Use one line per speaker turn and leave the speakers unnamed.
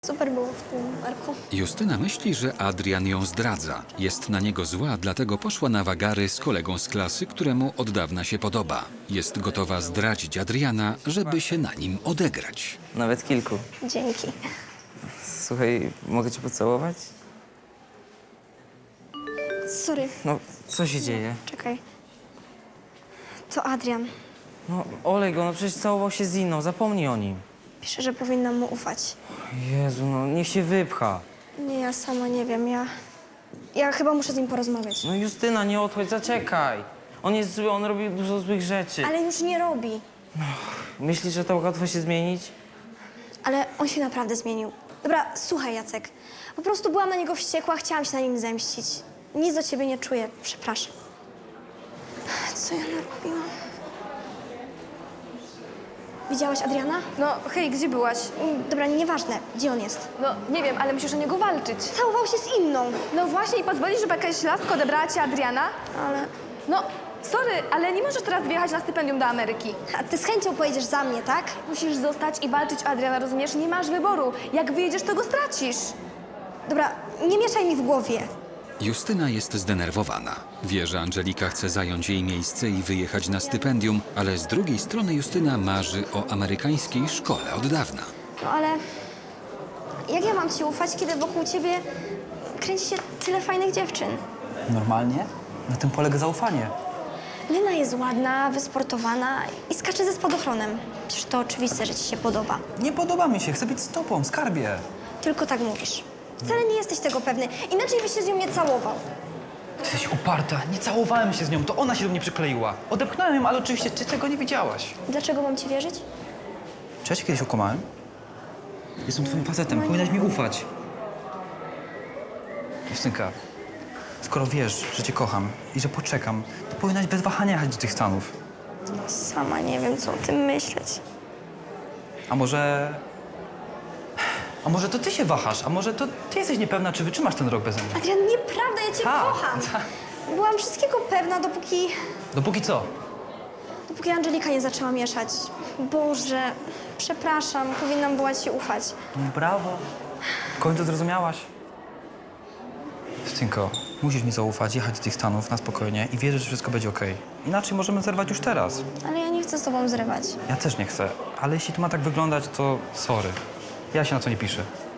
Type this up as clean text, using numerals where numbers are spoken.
Super było w tym arku.
Justyna myśli, że Adrian ją zdradza. Jest na niego zła, dlatego poszła na wagary z kolegą z klasy, któremu od dawna się podoba. Jest gotowa zdradzić Adriana, żeby się na nim odegrać.
Nawet kilku.
Dzięki.
Słuchaj, mogę cię pocałować?
Sorry,
No, co się dzieje?
czekaj. To Adrian.
No, olej go, no przecież całował się z inną, zapomnij o nim.
Pisze, że powinnam mu ufać.
Jezu, no niech się wypcha.
Nie, ja sama nie wiem, ja chyba muszę z nim porozmawiać.
No Justyna, nie odchodź, zaczekaj. On jest zły, on robi dużo złych rzeczy.
Ale już nie robi.
Myślisz, że tak łatwo się zmienić?
Ale on się naprawdę zmienił. Dobra, słuchaj, Jacek. Po prostu byłam na niego wściekła, chciałam się na nim zemścić. Nic do ciebie nie czuję, przepraszam. Co ja narobiłam? Widziałaś Adriana?
No hej, gdzie byłaś?
Dobra, nieważne. Gdzie on jest?
No nie wiem, ale musisz o niego walczyć.
Całował się z inną.
No właśnie i pozwolisz, żeby jakaś laska odebrała ci Adriana?
Ale...
No, sorry, ale nie możesz teraz wyjechać na stypendium do Ameryki.
A ty z chęcią pojedziesz za mnie, tak?
Musisz zostać i walczyć o Adriana, rozumiesz? Nie masz wyboru. Jak wyjedziesz, to go stracisz.
Dobra, nie mieszaj mi w głowie.
Justyna jest zdenerwowana. Wie, że Angelika chce zająć jej miejsce i wyjechać na stypendium, ale z drugiej strony Justyna marzy o amerykańskiej szkole od dawna.
No ale... Jak ja mam ci ufać, kiedy wokół ciebie kręci się tyle fajnych dziewczyn?
Normalnie? Na tym polega zaufanie.
Lena jest ładna, wysportowana i skacze ze spadochronem. Przecież to oczywiste, że ci się podoba.
Nie podoba mi się, chcę być z tobą, skarbie.
Tylko tak mówisz. Wcale nie jesteś tego pewny. Inaczej byś się z nią nie całował.
Ty jesteś uparta, nie całowałem się z nią, to ona się do mnie przykleiła. Odepchnąłem ją, ale oczywiście ty tego nie wiedziałaś.
Dlaczego mam ci wierzyć?
Czy ja cię kiedyś okłamałem? Jestem twoim facetem, powinnaś mi ufać. Justynka, skoro wiesz, że cię kocham i że poczekam, to powinnaś bez wahania jechać do tych Stanów.
Sama nie wiem, co o tym myśleć.
A może... A może to ty się wahasz, a może to ty jesteś niepewna, czy wytrzymasz ten rok beze mnie.
Adrian, nieprawda, ja cię
Tak,
kocham.
tak.
Byłam wszystkiego pewna,
Dopóki co?
dopóki Angelika nie zaczęła mieszać. Boże, przepraszam, powinnam była ci ufać.
No brawo. W końcu zrozumiałaś. Justynko, musisz mi zaufać, jechać do tych Stanów na spokojnie i wierzyć, że wszystko będzie okej. Inaczej możemy zerwać już teraz.
Ale ja nie chcę z tobą zrywać.
Ja też nie chcę, ale jeśli to ma tak wyglądać, to sorry. Ja się na co nie piszę.